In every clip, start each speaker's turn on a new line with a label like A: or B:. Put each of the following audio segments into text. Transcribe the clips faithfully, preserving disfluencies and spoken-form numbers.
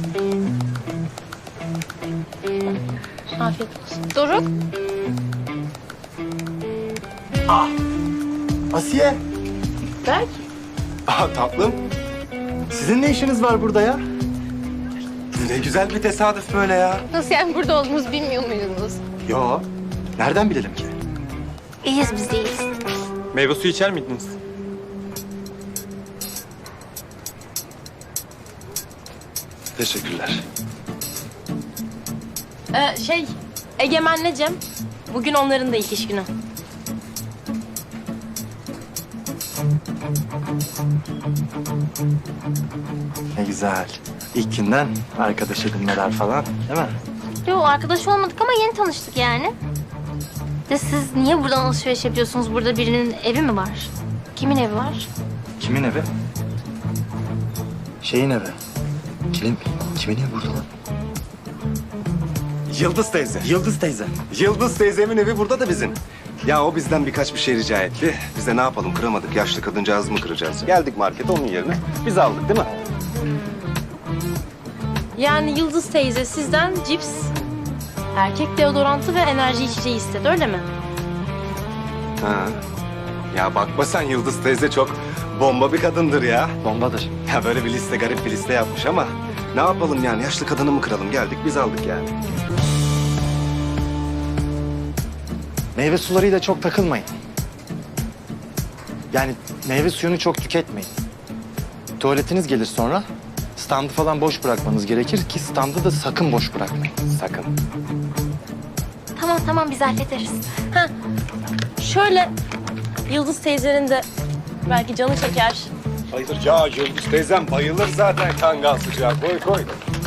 A: Afiyet olsun. Doruk.
B: Asiye.
A: Berk.
B: Aa, tatlım. Sizin ne işiniz var burada ya?
C: Ne güzel bir tesadüf böyle ya.
A: Nasıl yani burada olduğumuzu bilmiyor muydunuz?
B: Yo. Nereden bilelim ki?
A: İyiyiz biz iyiyiz.
C: Meyve suyu içer miydiniz?
B: Teşekkürler.
A: Ee, şey, Egemen'le Cem. Bugün onların da ilk iş günü.
B: Ne güzel. İlk günden arkadaş edinmeler falan, değil mi?
D: Yok arkadaş olmadık ama yeni tanıştık yani. De siz niye buradan alışveriş yapıyorsunuz? Burada birinin evi mi var? Kimin evi var?
B: Kimin evi? Şeyin evi. Kimin, kimin evi burada lan?
C: Yıldız teyze.
B: Yıldız teyze.
C: Yıldız teyzemin evi burada da bizim. Ya o bizden birkaç bir şey rica etti. Biz de ne yapalım kıramadık. Yaşlı kadıncağız mı kıracağız? Geldik markete onun yerine. Biz aldık değil mi?
A: Yani Yıldız teyze sizden cips, erkek deodorantı ve enerji içeceği istedi, öyle mi?
C: Ha. Ya bakma sen Yıldız teyze çok bomba bir kadındır ya.
B: Bombadır.
C: Ya böyle bir liste garip bir liste yapmış ama ne yapalım yani yaşlı kadını mı kıralım? Geldik biz aldık yani.
B: Meyve sularıyla çok takılmayın. Yani meyve suyunu çok tüketmeyin. Tuvaletiniz gelir sonra. Standı falan boş bırakmanız gerekir ki standı da sakın boş bırakmayın.
C: Sakın.
D: Tamam tamam biz hallederiz.
A: Ha, şöyle Yıldız teyzenin de belki canı çeker.
C: Hayır ya Yıldız teyzem bayılır zaten kangal sıcağı. Koy koy.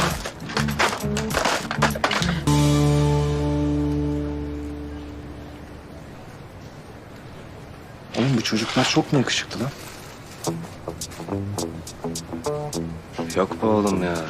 B: Oğlum bu çocuklar çok mu yakışıklı lan?
C: Yok be oğlum ya.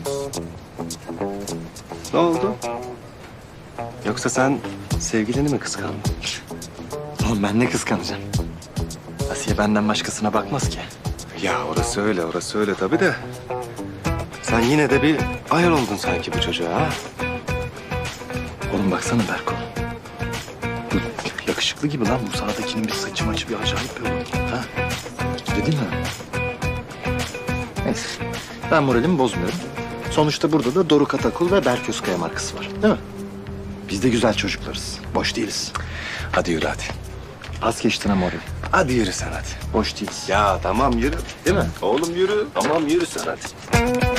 C: Ne oldu? Yoksa sen sevgilini mi kıskandın?
B: Oğlum ben ne kıskanacağım? Asiye benden başkasına bakmaz ki.
C: Ya orası öyle, orası öyle tabii de. Sen yine de bir ayar oldun sanki bu çocuğa ha?
B: Oğlum baksana Berko. Bu yakışıklı gibi lan. Bu sağdakinin bir saçı maçı bir acayip bir olur. Ha? Öyle değil mi? Neyse. Ben moralimi bozmuyorum. Sonuçta burada da Doruk Atakul ve Berk Özkaya markası var. Değil mi? Biz de güzel çocuklarız. Boş değiliz.
C: Hadi yürü hadi.
B: Pas geçtin ha morali.
C: Hadi yürü sen hadi.
B: Boş değiliz.
C: Ya tamam yürü.
B: Değil mi?
C: Oğlum yürü. Tamam yürü sen hadi.